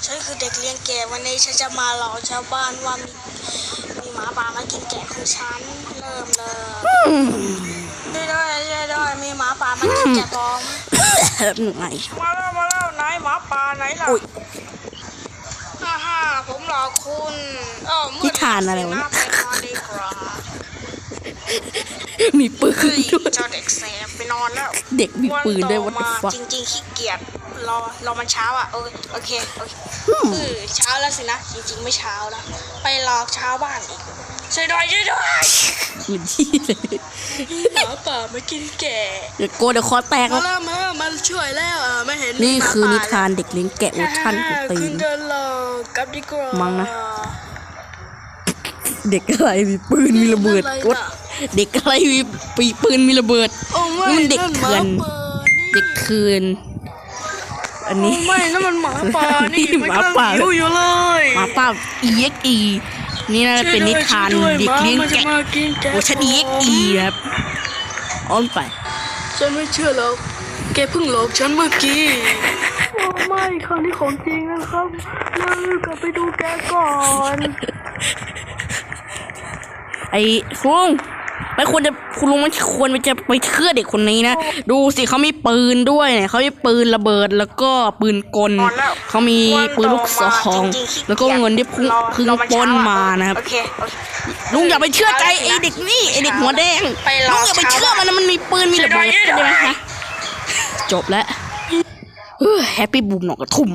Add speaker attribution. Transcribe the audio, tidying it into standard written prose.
Speaker 1: ฉันคือเด็กเลี้ยงแกะวันนี้ฉันจะมาหลอกชาวบ้านว่ามีหมาป่ามากินแกะของฉันเริ่มเลยด้วยมีหมาป่ามากินแกะปลอม
Speaker 2: ไหน
Speaker 1: มาแล้วไหนหมาป่าไหนล่ะฮ่าผมหลอกคุณ
Speaker 2: ที่ทานอะไรวะ
Speaker 1: ไปนอนดีกว่า
Speaker 2: มีปืนด้วย
Speaker 1: เจ้าเด็กแสบไปนอนแล้ว
Speaker 2: เด็กมีปืนด้วยวัดฟัก
Speaker 1: จริงๆขี้เกียจรอมันเช้าอ่ะโอเคเช้าแล้วสินะจริงๆไม่เช้าแล้วไปหลอกชาวบ้านอีกช่วยด้วย
Speaker 2: ปืนที่เลย
Speaker 1: หมาป่ามากินแกะ
Speaker 2: เดี๋ยวโกเดี๋ยวคอแตก
Speaker 1: มาช่วยแล้วไม่เห็น
Speaker 2: นี่คือนิทานเด็กเลี้ยงแกะเวอร์ชันของตี
Speaker 1: ขึ้
Speaker 2: น
Speaker 1: นเดินหลอกกลับดีกว่า
Speaker 2: มั้งนะ เด็กอะไรมีปืนมีระเบิดกดเด็กอะไรมีปืนมีระเบิด
Speaker 1: โอ้ไม่
Speaker 2: มันเด็กเถื่อนเด็กคืนอันนี้
Speaker 1: ไม่นั่นมันหมาป่านี่
Speaker 2: หมาป่า
Speaker 1: อยู่เลย
Speaker 2: หมาป่า EXE นี่น่าจะเป็นนิทานเด็กเลี้ยงแกะเวอร์ชัน EXE ครับอ้อนไป
Speaker 1: ฉันไม่เชื่อแล้วแกเพิ่งหลอกฉันเมื่อกี้โอ้ไม่ครั้งนี้ของจริงนะครับเรากลับไปดูแกก่อน
Speaker 2: ไอ้ลุงไม่ควรจะคุณลุงไม่ควรจะไปเชื่อเด็กคนนี้นะดูสิเขามีปืนด้วยเนี่ยเขามีปืนระเบิดแล้วก็ปืนกลเขามีปืนลูกซองแล้วก็เงินที่พึ่งปล้นมานะครับลุงอย่าไปเชื่อใจไอ้เด็กนี่ไอ้เด็กหัวแดงลุงอย่าไปเชื่อมันนะมันมีปืนมีระเบิดใช่ไหมคะจบแล้วแฮปปี้บูมหนอกกระทุ่ม